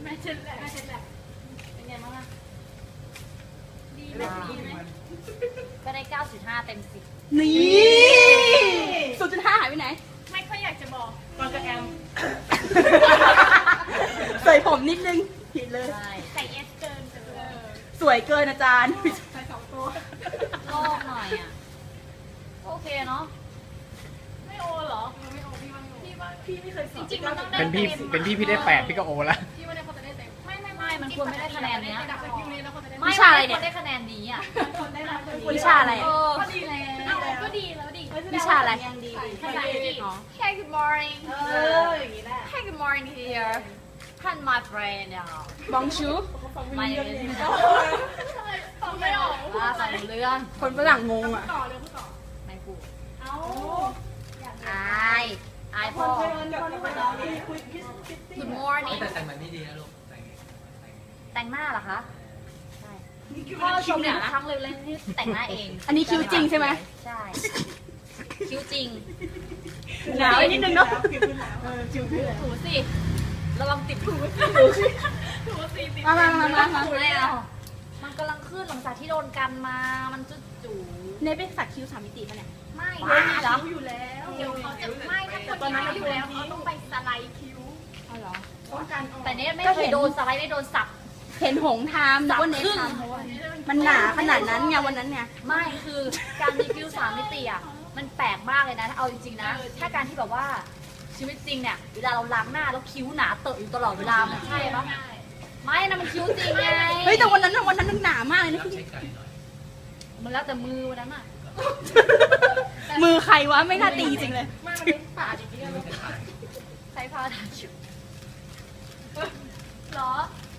แม่เช็ดแหละเป็นไงบ้างล่ะดีไหมดีไหมก็ได้ 9.5 เต็ม 10 นี่0.5หายไปไหนไม่ค่อยอยากจะบอกตอนกับแอมใส่ผมนิดนึงผิดเลยใส่เอสเกินสวยเกินอาจารย์ใส่2 ตัวโลกหน่อยอ่ะโอเคเนาะไม่โอเหรอไม่โอพี่ไม่เคยจริงๆมันต้องได้เป็นพี่ได้8พี่ก็โอละพี่ว่าได้คนจะได้เต็มไม่มันควรไม่ได้คะแนนเนี้ยวิชาอะไรเนี่ยได้คะแนนดีอ่ะวิชาอะไรก็ดีแล้วก็ดีแล้วดิวิชาอะไรภาษาอังกฤษ Hey good morning อย่างนี้แหละ Hey good morning here and my friend บองชูไม่ฟังไม่ออกฟังเรื่องคนฝรั่งงงอ่ะไม่พูดอายพ่อ Good morning แต่งแบบนี้ดีนะลูกแต่งหน้าเหรอคะใช่พ่อชมทุกครั้งเลยที่แต่งหน้าเองอันนี้คิ้วจริงใช่ไหมใช่คิ้วจริงหนาวนิดนึงเนาะถูสิระวังติดถูสิมาไม่เอามันกำลังขึ้นหลังจากที่โดนกันมามันจู่เนยเป็นสักคิ้ว3 มิติป่ะเนี่ยไม่เหรออยู่แล้วเดี๋ยวเขาจะไม่ถ้าคนตอนนั้นอยู่แล้วเขาต้องไปสไลด์คิ้วอ๋อเหรอแต่เนี้ยไม่เคยโดนสไลด์ไม่โดนสับเห็นหงทามนึกว่าเนยทามมันหนาขนาดนั้นไงวันนั้นไงไม่คือการมีคิ้ว3 มิติอ่ะมันแปลกมากเลยนะถ้าเอาจริงๆนะถ้าการที่แบบว่าชีวิตจริงเนี่ยเวลาเราล้างหน้าแล้วคิ้วหนาเตอะอยู่ตลอดเวลามันใช่ปะไม่นะมันคิ้วจริงไงเฮ้ยแต่วันนั้นนึกหนามากเลยนะมันแล้วแต่มือวันนั้นอ่ะมือใครวะไม่น่าตีจริงเลยผ่าจริงๆใช้ผ้าทาคิ้วหรอ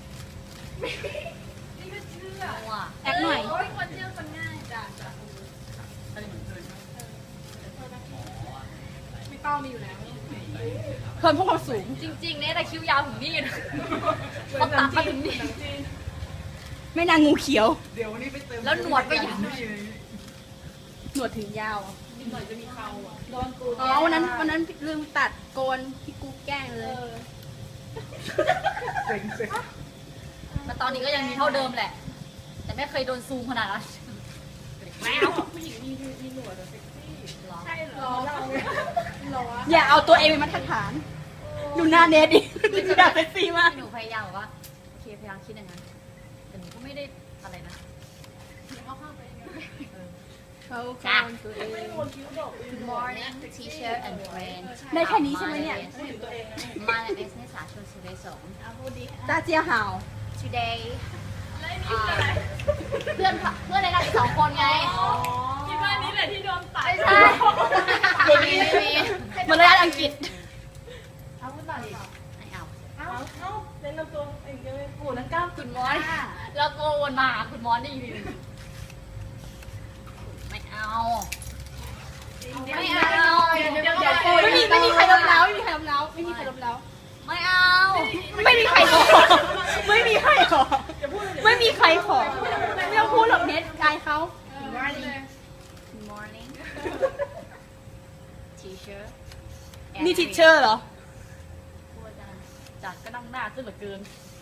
นี่ก็เชื่อแอคหน่อยคนเชื่อคนง่ายจ้ะไม่ต้องมีอยู่แล้วเพิ่มความสูงจริงๆเนี่ยแต่คิ้วยาวถึงนี่นะเขาตัดมาถึงนี่ไม่นางงูเขียวเดี๋ยววันนี้ไปเติมแล้วหนวดก็ยาวหนวดถึงยาวหน่อยจะมีเขาอ่ะโดนกูอ๋อวันนั้นลืมตัดโกนพี่กูแกล้งเลยแต่ตอนนี้ก็ยังมีเท่าเดิมแหละแต่ไม่เคยโดนซูมขนาดนั้นแมวผู้หญิงมีหนวดเซ็กซี่ใช่หรออย่าเอาตัวเองเป็นมาตรฐานดูหน้าเนทดิอยากเซ็กซี่มากหนูพยายามแบบว่าโอเคพยายามคิดอย่างนั้นแต่หนูก็ไม่ได้อะไรนะเขาเข้าไปตัวเอง Good morning teacher and friend ได้แค่นี้ใช่ไหมเนี่ยมาในสนิสาชนสุเรศงตาเจียห่าว today เพื่อนในนั้นอีก2 คนไงคิดว่านี้แหละที่โดนตัดใช่มาเลยอังกฤษเอาพูดต่อดิไม่เอาเล่นน้ำตัวเองเลยกูนั่งก้าวคุณมอนแล้วโกวนมาคุณมอนได้ยินไม่เอาไม่มีใครล้มแล้วไม่มีใครล้มแล้วไม่มีใครล้มแล้วไม่เอาไม่มีใครขอไม่มีใครขอไม่มีใครขอไม่ต้องพูดหรอกเน็ตกายเขา Good morning teacher นี่ทิชเชอร์เหรอจัดก็นั่งหน้าขึ้นเหลือเกิน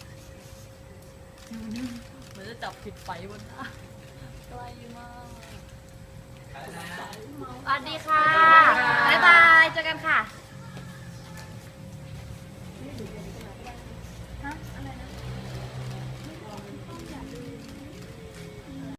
เหมือนจะจับผิดไฟบนหน้าใกล้มากสวัสดีค่ะบ๊ายบายเจอกันค่ะ